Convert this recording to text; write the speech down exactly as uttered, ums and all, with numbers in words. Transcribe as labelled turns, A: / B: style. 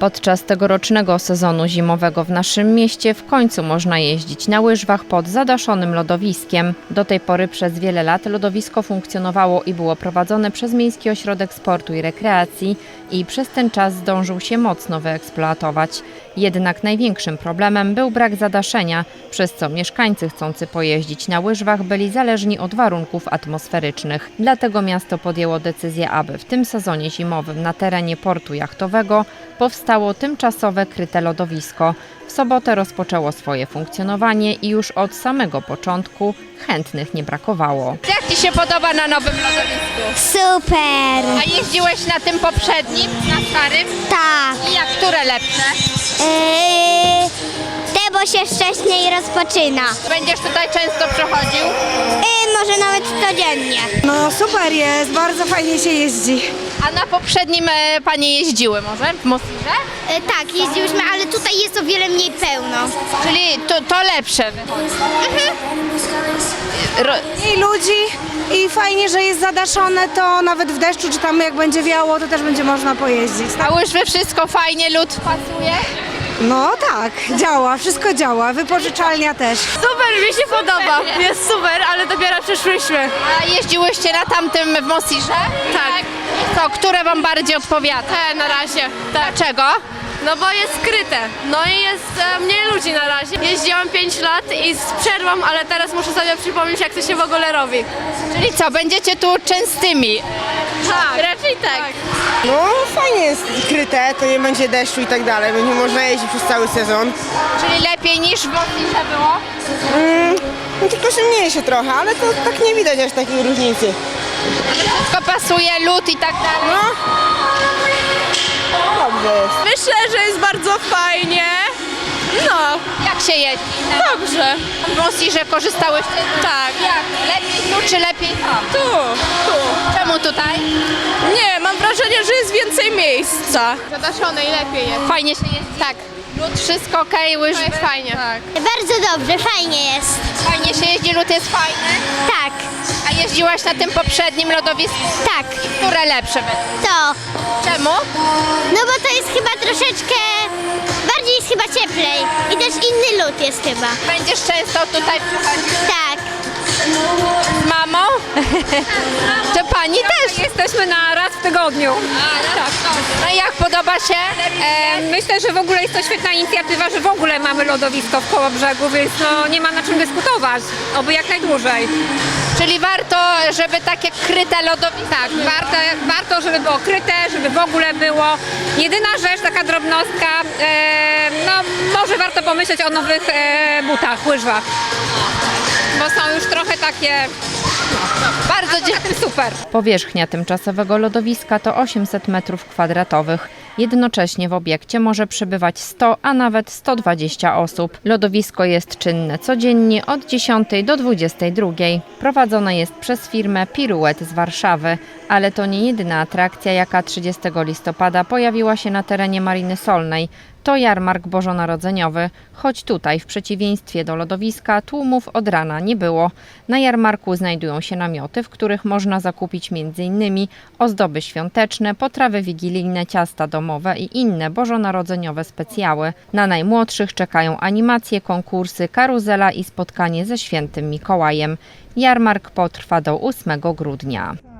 A: Podczas tegorocznego sezonu zimowego w naszym mieście w końcu można jeździć na łyżwach pod zadaszonym lodowiskiem. Do tej pory przez wiele lat lodowisko funkcjonowało i było prowadzone przez Miejski Ośrodek Sportu i Rekreacji i przez ten czas zdążył się mocno wyeksploatować. Jednak największym problemem był brak zadaszenia, przez co mieszkańcy chcący pojeździć na łyżwach byli zależni od warunków atmosferycznych. Dlatego miasto podjęło decyzję, aby w tym sezonie zimowym na terenie portu jachtowego powstało tymczasowe kryte lodowisko. W sobotę rozpoczęło swoje funkcjonowanie i już od samego początku chętnych nie brakowało.
B: Jak Ci się podoba na nowym lodowisku?
C: Super!
B: A jeździłeś na tym poprzednim, na starym?
C: Tak.
B: I jak, które lepsze?
C: Yy, te, bo się wcześniej rozpoczyna.
B: Będziesz tutaj często przychodził?
C: Yy, może nawet codziennie.
D: No super jest, bardzo fajnie się jeździ.
B: A na poprzednim e, Panie jeździły może w Mosirze?
C: Yy, tak, jeździłyśmy, ale tutaj jest o wiele mniej pełno.
B: Czyli to, to lepsze wychodzi. Ro-
D: Mniej ludzi i fajnie, że jest zadaszone, to nawet w deszczu czy tam jak będzie wiało, to też będzie można pojeździć.
B: A łyżwy wszystko fajnie, lód pasuje?
D: No tak, działa, wszystko działa, wypożyczalnia też.
E: Super, mi się podoba. Jest super, ale dopiero przyszłyśmy.
B: A jeździłyście na tamtym w Mosirze?
E: Tak.
B: I co, które Wam bardziej odpowiada?
E: Te na razie. Tak.
B: Dlaczego?
E: No bo jest skryte. No i jest e, mniej ludzi na razie. Jeździłam pięć lat i z przerwą, ale teraz muszę sobie przypomnieć, jak to się w ogóle robi.
B: Czyli co, będziecie tu częstymi?
E: Tak. Raczej tak.
F: No fajnie jest kryte, to nie będzie deszczu i tak dalej, będzie można jeździć przez cały sezon.
B: Czyli lepiej niż w Mosirze było?
F: Mm, no tylko się mniejsze trochę, ale to tak nie widać aż takiej różnicy.
B: Wszystko pasuje, lód i tak dalej?
F: No, dobrze jest.
E: Myślę, że jest bardzo fajnie. No,
B: Jak się jeździ?
E: dobrze.
B: W Mosirze korzystałyście?
E: Tak.
B: Jak? Lepiej tu czy lepiej tam?
E: Tu, tu.
B: Czemu tutaj?
E: Nie, mam wrażenie, że jest więcej miejsca. Zadaszone i lepiej jest.
B: Fajnie się jeździ? Tak. Lód, wszystko okej, łyżwy?
E: jest fajnie. Tak.
C: Bardzo dobrze, fajnie jest.
B: Fajnie się jeździ, lód jest fajny?
C: Tak,
B: A jeździłaś na tym poprzednim lodowisku?
C: tak.
B: Które lepsze będą?
C: To.
B: Czemu?
C: No bo to jest chyba troszeczkę, bardziej jest chyba cieplej. I też inny lód jest chyba.
B: Będziesz często tutaj przychodzić
C: Tak.
B: z mamą? To Pani też?
G: Jesteśmy na raz w tygodniu.
B: No i jak podoba się?
G: E, myślę, że w ogóle jest to świetna inicjatywa, że w ogóle mamy lodowisko w Kołobrzegu, więc no, nie ma na czym dyskutować. Oby jak najdłużej.
B: Czyli warto, żeby takie kryte lodowisko.
G: Tak, warto, warto, żeby było kryte, żeby w ogóle było. Jedyna rzecz, taka drobnostka, e, no może warto pomyśleć o nowych e, butach, łyżwach. Bo są już trochę takie,
B: Bardzo
G: a tym super.
A: Powierzchnia tymczasowego lodowiska to osiemset metrów kwadratowych. Jednocześnie w obiekcie może przebywać sto, a nawet sto dwadzieścia osób. Lodowisko jest czynne codziennie od dziesiątej do dwudziestej drugiej. Prowadzone jest przez firmę Piruet z Warszawy, ale to nie jedyna atrakcja, jaka trzydziestego listopada pojawiła się na terenie Mariny Solnej. To jarmark bożonarodzeniowy, choć tutaj w przeciwieństwie do lodowiska tłumów od rana nie było. Na jarmarku znajdują się namioty, w których można zakupić między innymi ozdoby świąteczne, potrawy wigilijne, ciasta domowe i inne bożonarodzeniowe specjały. Na najmłodszych czekają animacje, konkursy, karuzela i spotkanie ze świętym Mikołajem. Jarmark potrwa do ósmego grudnia.